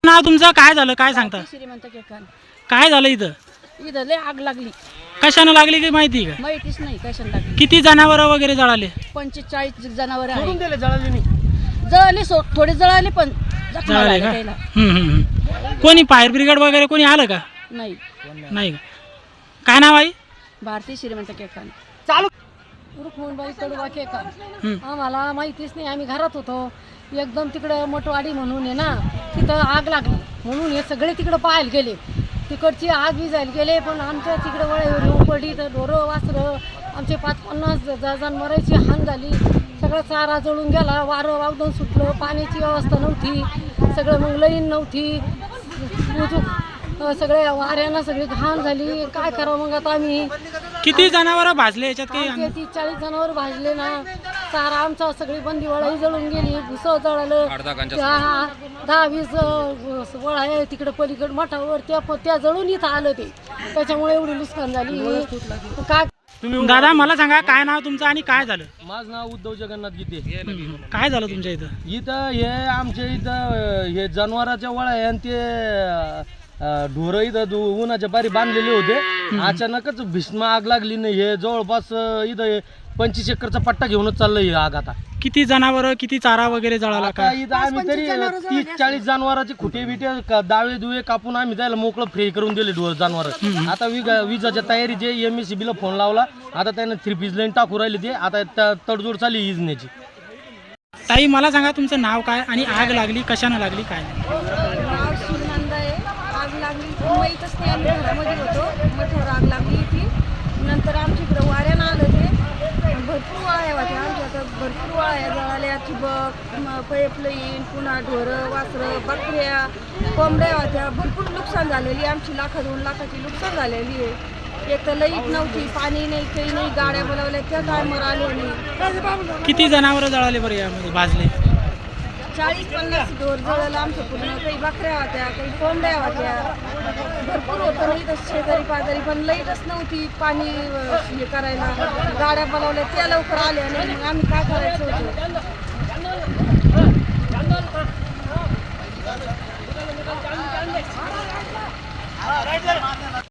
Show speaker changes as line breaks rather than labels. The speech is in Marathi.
नाव तुमचं? काय झालं, काय सांगता?
श्रीमंत केकान.
काय झालं इथं?
इथं लय आग लागली.
कशानं लागली की माहिती का?
माहितीच नाही कशाने लागली.
किती जनावर वगैरे जळाले?
45 जनावर
सोडून
आहे.
दिले, जळाले नाही.
जळाले, थोडे जळाले पण जखमा
जळाले
झाल्या
का?
त्याला.
कोणी फायर ब्रिगेड वगैरे कोणी आलं का?
नाही.
नाही का? काय नाव आहे?
भारतीय श्रीमंत केकान.
चालू
रुक्मणबाई कडवा केकान.
हम्म.
आम्हाला माहितीच नाही, आम्ही घरात होतो. एकदम तिकडं मोठवाडी म्हणून आहे ना, तिथं आग लागली म्हणून हे सगळे तिकडं पाहायला गेले. तिकडची आग विजायला गेले, पण आमच्या तिकडं वळ्यावर येऊन पडली तर ढोरं वासरं आमचे 50-50 जनावरांची हान झाली. सगळं चारा जळून गेला, वारं वावदन सुटलं, पाण्याची व्यवस्था नव्हती, सगळं मग लाईन नव्हती, सगळे वाऱ्यानं सगळी घाण झाली. काय करावं मग आता आम्ही?
किती जनावर भाजले याच्यात काही?
30-40 जनावर भाजले ना. चारा आमचा सगळी बंदी वळाही जळून गेली, भुसं जळालं. 10-20 वळा आहे तिकडे पलीकडे मठावर, त्या जळून इथं आलं ते. त्याच्यामुळे एवढी नुकसान झाली. काय
दादा मला सांगा, काय नाव तुमचं आणि काय झालं?
माझं नाव उद्धव जगन्नाथ गीते.
काय झालं तुमच्या इथं?
इथं हे आमच्या इथं हे जनावराच्या वळा आहे आणि ते ढोरं इथं उन्हाच्या बारी बांधलेले होते. अचानकच भीष्म आग लागली. नाही हे जवळपास इथं 25 एकरचा पट्टा घेऊनच चाललंय ही आग. आता
किती जनावर, किती चारा वगैरे जळाला
आता
का?
इथं आम्ही तरी 30-40 जनावरांचे खुटे बिटे दावे दुवे कापून आम्ही त्याला मोकळं फ्री करून दिले जनावर. आता विजाच्या तयारीचे MSCB ला फोन लावला. आता त्यानं 3 पीस लाईन टाकू राहिली. ते आता तडजोड चालली इजण्याची.
ताई मला सांगा, तुमचं नाव काय आणि आग लागली कशानं लागली, काय?
नाव श्रीनंद आहे. आग लागली माहीतच नाही, आम्ही घरामध्ये होतो. मोठ्यावर आग लागली ती. नंतर आमच्या इकडं वाऱ्यानं आलं ते. भरपूर वाळ्या होत्या आमच्या, आता भरपूर वाळ्या जळाल्या. ठिबक, पाईपलाईन, पुन्हा ढोरं वासरं बकऱ्या कोंबड्या होत्या. भरपूर नुकसान झालेली आमची. 1-2 लाखाची नुकसान झालेली आहे. एक तर लाईट नव्हती, पाणी नाही, काही नाही. गाड्या बोलावल्या त्या टायमवर आले नाही.
किती जनावर जळाले बरं यामध्ये, भाजले?
40-50 ढोर जळलं आमचं पूर्ण. काही बकऱ्या होत्या, काही कोंबड्या होत्या. भरपूर होतं नाही तर शेजारी पाजारी, पण लाईटच नव्हती पाणी हे करायला. गाड्या बोलावल्या त्या लवकर आल्या नाही. मग आम्ही काय करायचं होतं?